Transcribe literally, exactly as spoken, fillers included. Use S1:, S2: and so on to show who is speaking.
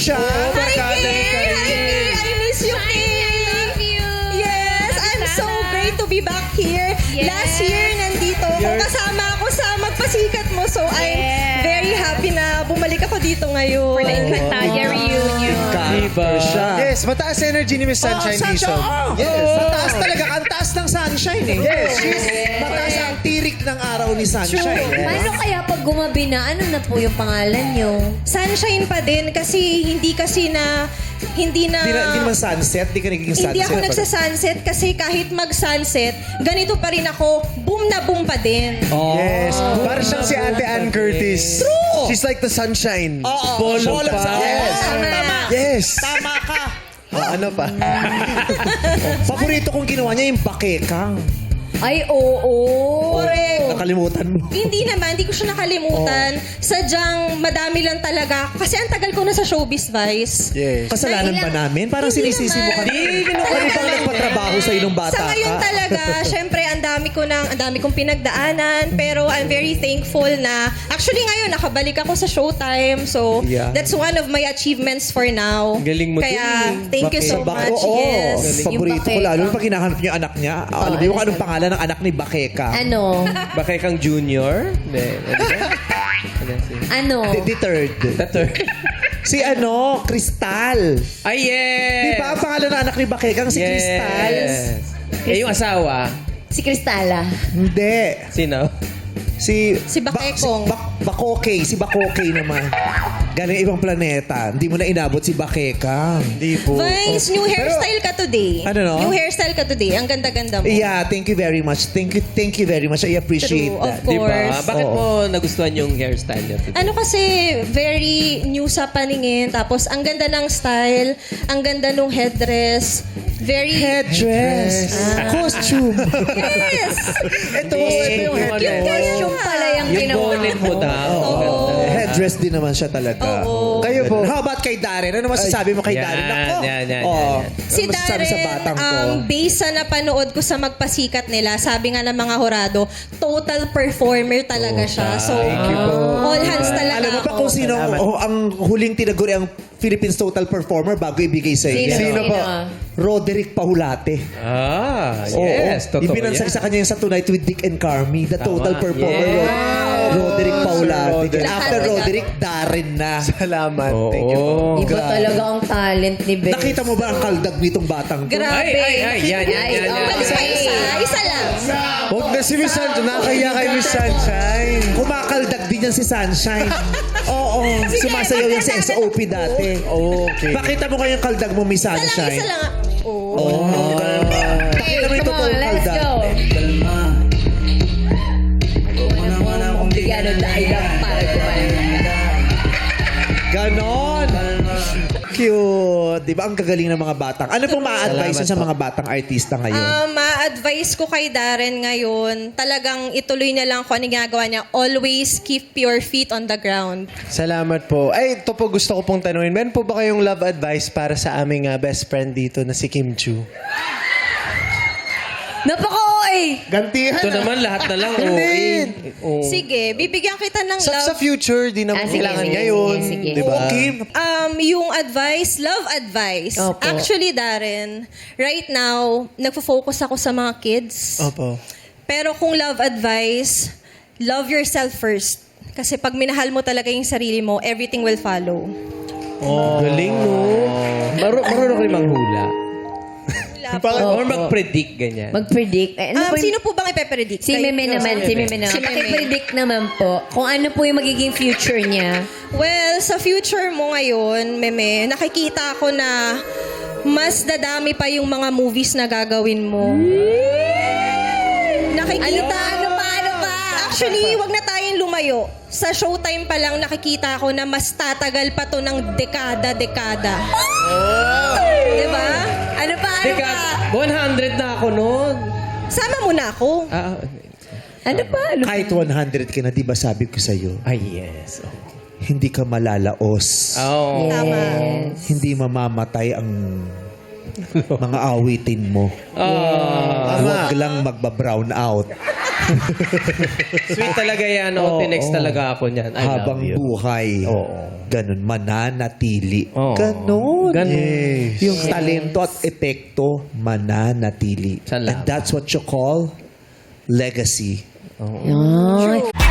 S1: siya.
S2: Hi,
S3: barkada ni
S2: Kay!
S3: Kay.
S2: Hi, Kay! I miss you, Kay!
S4: I love you.
S2: Yes, I'm so great to be back here.
S4: Yes.
S2: Last year, nandito ako.
S1: You're-
S2: Kasama ako sa Magpasikat Mo. So, I'm
S4: Yes.
S2: very happy na bumalik ako dito ngayon.
S4: For the Encantadia reunion.
S1: Diba? Siya.
S5: Yes, mataas energy ni Miss Sunshine
S1: Oh,
S5: Dizon.
S1: oh.
S5: Yes.
S1: Mataas talaga. Ang taas ng sunshine eh.
S5: Yes,
S1: she's mataas ang tirik ng araw ni sunshine.
S2: True.
S1: Yes.
S6: Paano kaya pag gumabi na, ano na po yung pangalan nyo?
S2: Sunshine pa din kasi hindi kasi na hindi na
S1: Hindi, na, hindi naman sunset. Hindi ka nagiging sunset.
S2: hindi ako
S1: pag-
S2: nagsa-sunset kasi kahit mag-sunset, ganito pa rin ako, boom na boom pa din.
S5: Yes. Para siyang si Ate Ann Curtis.
S1: True.
S5: She's like the sunshine.
S1: Oo.
S3: Bolo
S1: Bolo
S3: pa.
S1: sa- Yes.
S2: Tama.
S5: Yes.
S1: Tama ka.
S5: Ah, ano pa?
S1: Paborito kong ginawa niya yung bakekang.
S6: Ay, oo.
S2: Correct.
S1: Nakalimutan mo.
S2: Hindi naman, hindi ko siya nakalimutan. Sadyang madami lang talaga. Kasi ang tagal ko na sa showbiz, Vice.
S5: Yes.
S1: Kasalanan ba namin? Parang
S2: Hindi
S1: sinisisi mo
S2: naman.
S1: kami.
S3: Hindi, ganun
S1: Kami pang nagpatrabaho sa'yo nung bata
S2: Sa ngayon
S1: ka.
S2: talaga, syempre, ang dami ko nang, ang dami kong pinagdaanan. Pero I'm very thankful na, actually ngayon, nakabalik ako sa Showtime. So,
S1: Yeah.
S2: that's one of my achievements for now.
S3: Ang galing mo
S2: Kaya,
S3: dun eh.
S2: thank you so
S1: Sa bak-
S2: much.
S1: Oo,
S2: Yes.
S1: paborito ko
S6: Yung
S1: lalo
S6: bakeka.
S1: pag hinahanap niyo yung anak niya. Alam niyo kung anong pangalan ng anak ni Bakeka?
S6: Ano?
S3: Bakay kang junior? Hindi. Ano ba? Ano si-
S6: Ano?
S1: The, the third.
S3: The third.
S1: Si ano, Crystal.
S3: Ay, yes!
S1: Di ba ang pangalan ng anak ni Bakeka si
S3: Yes.
S1: Crystal?
S3: Eh, yung asawa?
S6: Si Cristala.
S1: Hindi.
S3: Sino?
S1: Si...
S2: Si Bakekong.
S1: Ba, si Bak- Bakokey. Si Bakokey naman. Galing ibang planeta. Hindi mo na inabot si Bakeka.
S5: Hindi po.
S2: Vice, new hairstyle ka today.
S1: Ano, no?
S2: New hairstyle ka today. Ang ganda-ganda mo.
S1: Yeah, thank you very much. Thank you, thank you very much. I appreciate
S2: True, of
S1: that.
S3: Di ba?
S2: course.
S3: Bakit
S1: Oo.
S3: mo nagustuhan yung hairstyle niya today?
S2: Ano kasi, very new sa paningin. Tapos, ang ganda ng style. Ang ganda ng headdress. Very...
S1: Headdress. Costume.
S2: Yes!
S1: Ito, ito yung headdress.
S6: Yung costume pala yung
S3: Yung
S6: ginawa
S3: bonnet mo
S6: mo.
S3: daw.
S2: Oo.
S3: Ganda.
S1: Headdress din naman siya talaga.
S2: Oo.
S5: Kayo po.
S1: How about kay Darren? Ano masasabi mo kay
S3: Yan,
S1: Darren? Ako.
S3: yan, yan,
S1: Oh,
S3: yan, yan.
S2: Si
S1: ano masasabi
S2: Darren,
S1: sa batang ko?
S2: um, based sa napanood ko sa Magpasikat nila, sabi nga ng mga horado, total performer talaga siya. So, all hands talaga
S1: Alam mo pa
S2: ako.
S1: kung sino oh, ang huling tinaguri ang Philippines Total Performer bago ibigay sa iyo?
S6: Sino?
S5: Sino po?
S1: Roderick Pahulate.
S3: Ah,
S1: Oo.
S3: yes. Totoo
S1: Ibinansag
S3: yan.
S1: sa kanya yung sa Tonight with Dick and Carmi, the Total
S3: Tama.
S1: Performer.
S3: Yes.
S1: Rod- Roderick Pahulate.
S5: Roderick.
S1: After Roderick, Darren na.
S5: Salamat.
S3: Oo.
S5: Thank you po.
S6: Iba talaga ang talent ni Bes.
S1: Nakita mo ba ang kaldag nitong batang to?
S2: Grabe.
S3: Ay, ay, ay. Yan, yan, yan. yan,
S2: Alis pa isa. Isa lang.
S5: Huwag na si Miss Sunshine. Nakakaya kay Miss Sunshine.
S1: Kumakaldag din yan si Sunshine. Oo, sumasayaw yan sa S O P dati.
S5: Okay.
S1: Pakita mo kayong kaldag mo, Miss
S2: Isa lang,
S1: Sunshine.
S2: isa lang. Oh.
S1: Oh. Pakita mo yung
S6: Come on,
S1: totoong
S6: let's
S1: kaldag.
S6: go. Bigyan ng dahilan para gumaling.
S1: Ganon. Cute. Di ba? Ang gagaling ng mga batang. Ano pong ma-advise
S3: Salamat
S1: sa
S3: po.
S1: mga batang artista ngayon?
S2: Um, ma-advise ko kay Darren ngayon, talagang ituloy na lang kung ano ginagawa niya. Always keep your feet on the ground.
S5: Salamat po. Ay, ito po gusto ko pong tanungin. Meron po ba kayong love advice para sa aming ah, best friend dito na si Kim Chu?
S6: Napaka-oy!
S5: Gantihan
S3: Ito naman, lahat na lang. O A. O.
S2: Sige, bibigyan kita ng
S5: Sa, sa
S2: love.
S5: future, di naman
S6: Ah, sige,
S5: kailangan
S6: sige,
S5: ngayon.
S6: sige, sige.
S5: Di ba?
S1: Kim,
S2: Um, yung advice, love advice.
S6: Opo.
S2: Actually, Darren, right now, nagfo-focus ako sa mga kids.
S5: Opo.
S2: Pero kung love advice, love yourself first. Kasi pag minahal mo talaga yung sarili mo, everything will follow.
S3: Oh. Galing, no? Maru marunong kayo manghula.
S2: Wala po.
S3: Or mag-predict, ganyan.
S6: Mag-predict. Eh, ano
S2: Um,
S6: po yung-
S2: sino po bang ipe-predict?
S6: Si
S2: Kayo?
S6: Meme naman, si Meme naman.
S2: Si Meme.
S6: Paki-predict naman po kung ano po yung magiging future niya.
S2: Well, sa future mo ngayon, Meme, nakikita ko na mas dadami pa yung mga movies na gagawin mo. Nakikita.
S6: Ano pa, ano pa, ano pa?
S2: Actually, wag na tayong lumayo. Sa Showtime pa lang nakikita ko na mas tatagal pa to ng dekada-dekada. Diba?
S6: Ano pa, ano
S3: Teka,
S6: pa?
S3: one hundred na ako noon.
S2: Sama mo na ako.
S3: Ah,
S6: Ano pa, ano pa?
S1: kahit one hundred ka na, di ba sabi ko sa'yo,
S3: ay, yes.
S1: hindi ka malalaos.
S3: Oh.
S2: Tama.
S1: Hindi mamamatay ang mga awitin mo.
S3: Ah.
S1: Huwag lang magba-brown out.
S3: Sweet talaga yan. Oh, tinext talaga ako niyan. I
S1: Habang
S3: love you.
S1: buhay.
S3: Oo.
S1: Ganun, mananatili.
S3: Oo.
S1: Ganon.
S3: Ganun.
S1: Yes. Yung talento at epekto, mananatili.
S3: Salamat.
S1: And that's what you call legacy.
S6: Yan.